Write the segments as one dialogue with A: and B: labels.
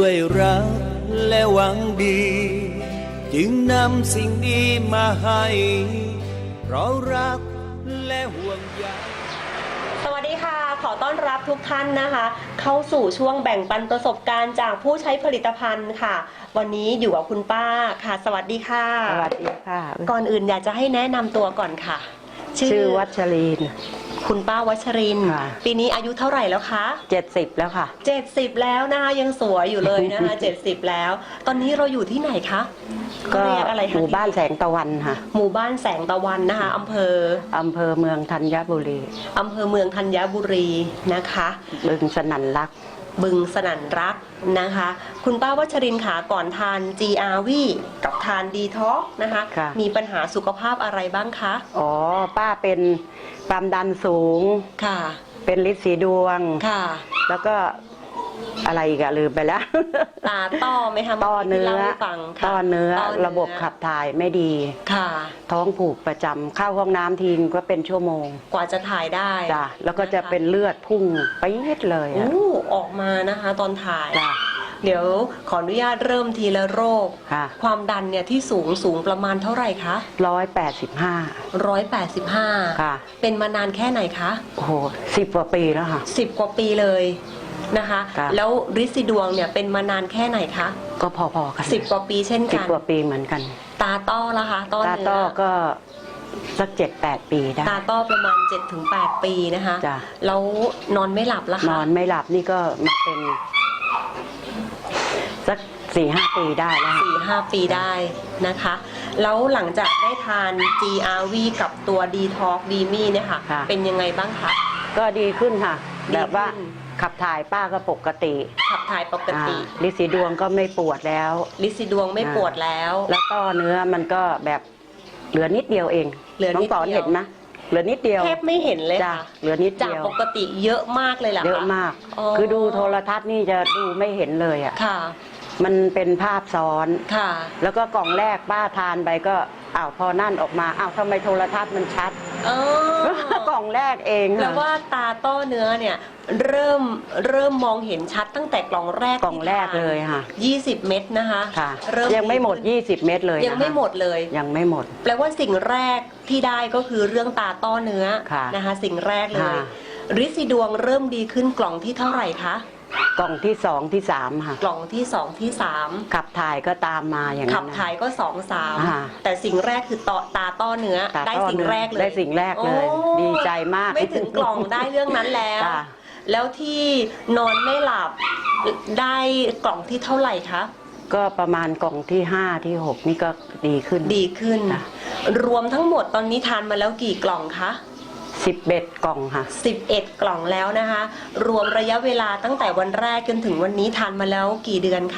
A: ด้วยรักและหวังดี จึงนำสิ่งดีมาให้เพราะรักและห่วงใย
B: สวัสดีค่ะขอต้อนรับทุกท่านนะคะ เข้าสู่ช่วงแบ่งปันประสบการณ์จากผู้ใช้ผลิตภัณฑ์ค่ะ วันนี้อยู่กับคุณป้าค่ะสวัสดีค่ะ
C: สวัสดีค่ะ
B: ก่อนอื่นอยากจะให้แนะนำตัวก่อนค่ะ
C: ชื่อวัชรีน
B: คุณป้าวัชรินทร์
C: ค่ะ
B: ปีนี้อายุเท่าไหร่แล้วคะ
C: 70แล้วค่ะ
B: 70แล้วนะคะยังสวยอยู่เลยนะคะ 70แล้ว ตอนนี้เราอยู่ที่ไหนคะ
C: ก็
B: เรียกอะไร
C: ห
B: คะ
C: มู่บ้านแสงตะวันค่ะ
B: หมู่บ้านแสงตะวันนะคะอำเภอ
C: อำเภอเมืองธัญบุรี
B: อำเภอเมืองธัญบุรีนะคะ
C: บึงสนั่นรัก
B: บึงสนั่นรักนะคะ คุณป้าวัชรินทร์ค่ะก่อนทาน GRV กับทานดีท็อกนะคะ
C: ค่ะ
B: มีปัญหาสุขภาพอะไรบ้างคะ
C: อ๋อป้าเป็นความดันสูง
B: ค่ะ
C: เป็นลินสีดวง
B: ค่ะ
C: แล้วก็อะไรอีกอะลืมไปแล้ว
B: ตาต้อไหมคะ
C: ต้อเนื้อ
B: ที่ล่าให้ฟังค่ะ
C: ต้อเนื้อระบบขับถ่ายไม่ดี
B: ค่ะ
C: ท้องผูกประจำเข้าห้องน้ำทีก็เป็นชั่วโมง
B: กว่าจะถ่ายได้
C: จ้ะแล้วก็จะเป็นเลือดพุ่งไปนิดเลยอะ
B: อู้ออกมานะคะตอนถ่าย
C: จ้ะ
B: เดี๋ยวขออนุญาตเริ่มทีละโรค
C: ค่ะ
B: ความดันเนี่ยที่สูงประมาณเท่าไหร่คะ
C: 185
B: 185
C: ค่ะ
B: เป็นมานานแค่ไหนคะ
C: โอ้โห10 กว่าปีแล้วค่ะ
B: 10 กว่าปีเลยนะคะ
C: ครับ
B: แล้วริดซีดวงเนี่ยเป็นมานานแค่ไหนคะ
C: ก็พอๆกัน
B: 10 กว่าปีเช่น
C: สิบ
B: กัน
C: กว่าปีเหมือนกัน
B: ตาต้อละคะต้อ
C: ตา
B: เนื้
C: ต้อ
B: อ
C: ก็สัก7-8 ปีได้
B: ตาต้อประมาณ 7-8 ปีนะคะ
C: จ้ะ
B: แล้วนอนไม่หลับละ
C: น
B: คะ
C: อนไม่หลับนี่ก็มาเป็นสัก4-5 ปีได้แล้วค่ะ
B: 4-5 ปีได้นะคะ แล้วหลังจากได้ทาน GRV กับตัว Detox d m i เนี่ยค่ะ เป็นยังไงบ้างคะ
C: ก็ดีขึ้นค่ะ
B: ดีขึ้น
C: แบบว่าขับถ่ายป้าก็ปกติ
B: ขับถ่ายปกติ
C: ลินสีดวงก็ไม่ปวดแล้ว
B: ลิดซีดวงไม่ปวดแล้ว
C: แล้วต้อเนื้อมันก็แบบเหลือนิดเดียวเอง
B: เหลือนิดเดียว
C: น้องปอนเห็นไหมเหลือนิดเดียว
B: แทบไม่เห็นเลย
C: จ้ะ
B: ค่ะ
C: เหลือนิด
B: จาก
C: เดียว
B: ปกติเยอะมากเลยแหละ
C: เยอะมาก คือดูโทรทัศน์นี่จะดูไม่เห็นเลยอ่ะ
B: ค่ะ
C: มันเป็นภาพซ้อน
B: ค่ะ
C: แล้วก็กล่องแรกป้าทานไปก็พอนั่นออกมาทำไมโทรทัศน์มันชัด
B: เออก
C: ล่องแรกเอง
B: แล้วว่าตาต้อเนื้อเนี่ยเริ่มมองเห็นชัดตั้งแต่กล่องแรก
C: กล่องแรกเลยค่ะ
B: 20 เม็ดนะคะ
C: ค่ะ
B: เริ่
C: ยังไม่หมด 20 เม็ดเลย
B: ยังไม่หมดเลย
C: ยังไม่หมด
B: แปลว่าสิ่งแรกที่ได้ก็คือเรื่องตาต้อเนื้อ
C: ค่ะ
B: นะคะ สิ่งแรกเลย
C: ค่ะ
B: ฤทธิ์สีดวงเริ่มดีขึ้นกล่องที่เท่าไหร่คะ
C: กล่องที่2ที่3ค่ะ
B: กล่องที่2ที่3
C: ขับถ่ายก็ตามมาอย่างนั้น
B: ขับถ่ายก็2
C: อ่า
B: 3แต่สิ่งแรกคือตาต้อเนื้อ
C: ตา
B: ได้
C: ต้อ
B: สิ่ง
C: เนื้อ
B: แรกเลย
C: ได้สิ่งแรกเลย
B: โอ้
C: ดีใจมาก
B: ไม่ถึงกล่องได้เรื่องนั้นแล้ว
C: จ้ะ
B: แล้วที่นอนไม่หลับได้กล่องที่เท่าไหร่คะ
C: ก็ประมาณกล่องที่5ที่6นี่ก็ดีขึ้น
B: ดีขึ้น
C: จ้ะ
B: รวมทั้งหมดตอนนี้ทานมาแล้วกี่กล่องคะ
C: 11 กล่องค่ะ
B: 11 กล่องแล้วนะคะ รวมระยะเวลาตั้งแต่วันแรกจนถึงวันนี้ทานมาแล้วกี่เดือนคะ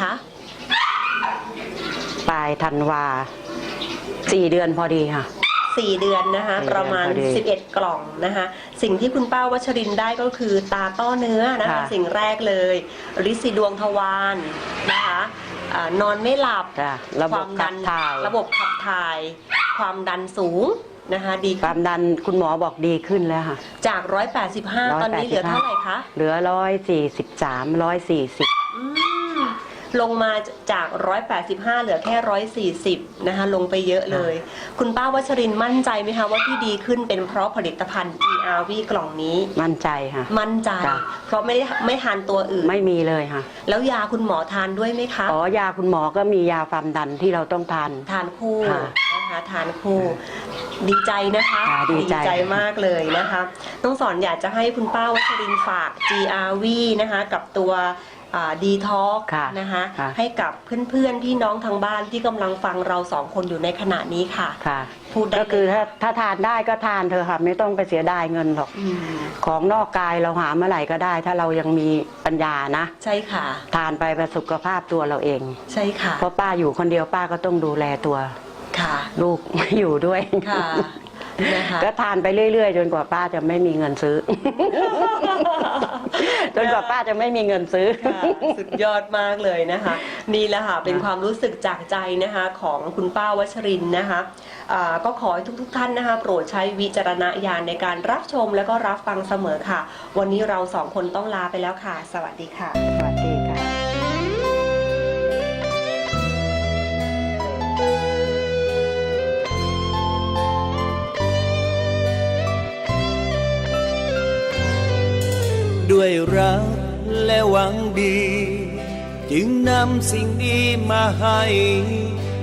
C: ปลายธันวา4 เดือนพอดีค่ะ
B: 4 เดือนนะคะ
C: 4
B: ประมาณ
C: เดือนพอดี
B: 11 กล่องนะคะ สิ่งที่คุณป้าวัชรินทร์ได้ก็คือตาต้อเนื้อนะคะ
C: ค่ะ
B: สิ่งแรกเลยฤทธิ์สีดวงทวารนะคะนอนไม่หลับ
C: จ้ะระบบขับถ่าย
B: ระบบขับถ่าย ความดันสูงนะคะดี
C: ค
B: ขึ้
C: วาน มดันคุณหมอบอกดีขึ้นแล้วค่ะ
B: จาก 185 ตอนนี้เหลือเท่าไหร่คะ
C: เหลือ143 140
B: อืมลงมาจาก 185 เหลือแค่ 140 นะคะ ลงไปเยอะเลย คุณป้าวัชรินทร์มั่นใจไหมคะว่าที่ดีขึ้นเป็นเพราะผลิตภัณฑ์ GRV กล่องนี้
C: มั่นใจค่ะ
B: มั่นใจ
C: จ้ะ
B: เพราะไม่ทานตัวอื่น
C: ไม่มีเลยค่ะ
B: แล้วยาคุณหมอทานด้วยไหมคะ
C: ยาคุณหมอก็มียาความดันที่เราต้องทาน
B: ทานคู่
C: ค่ะ
B: นะคะทานคู่ ดีใจนะคะ
C: ค่ะดีใจ
B: มากเลยนะคะต้องสอนอยากจะให้คุณป้าวัชรินทร์ฝาก GRV นะคะกับตัวดีท็อก
C: ค่ะ
B: นะคะ
C: ค่ะ
B: ให้กับเพื่อนๆพี่น้องทางบ้านที่กำลังฟังเราสองคนอยู่ในขณะนี้ค่ะ
C: ค่ะ
B: พูดได้
C: ก็คือ
B: เลย
C: ถ้าทานได้ก็ทานเธอะค่ะ ไม่ต้องไปเสียดายเงินหรอก
B: อืม
C: ของนอกกายเราหาเมื่อไหร่ก็ได้ ถ้าเรายังมีปัญญานะ
B: ใช่ค่ะ
C: ทานไปประสุขภาพตัวเราเอง
B: ใช่ค่ะ
C: เพราะป้าอยู่คนเดียวป้าก็ต้องดูแลตัว
B: ค่ะ
C: ลูก ไม่อยู่ด้วย
B: ค่ะนะคะ
C: ก็ทานไปเรื่อยๆ จนกว่าป้าจะไม่มีเงินซื้อ จนกว่าป้าจะไม่มีเงินซื้อ
B: ค่ะสุดยอดมากเลยนะคะ นี่แหละค่ะเป็นความรู้สึกจากใจนะคะของคุณป้าวัชรินทร์นะคะก็ขอให้ทุกท่านนะคะโปรดใช้วิจารณญาณในการรับชมและก็รับฟังเสมอค่ะ วันนี้เราสองคนต้องลาไปแล้วค่ะ สวัสดีค่ะ
C: สวัสดีค่ะ
A: ด้วยรักและหวังดี จึงนำสิ่งดีมาให้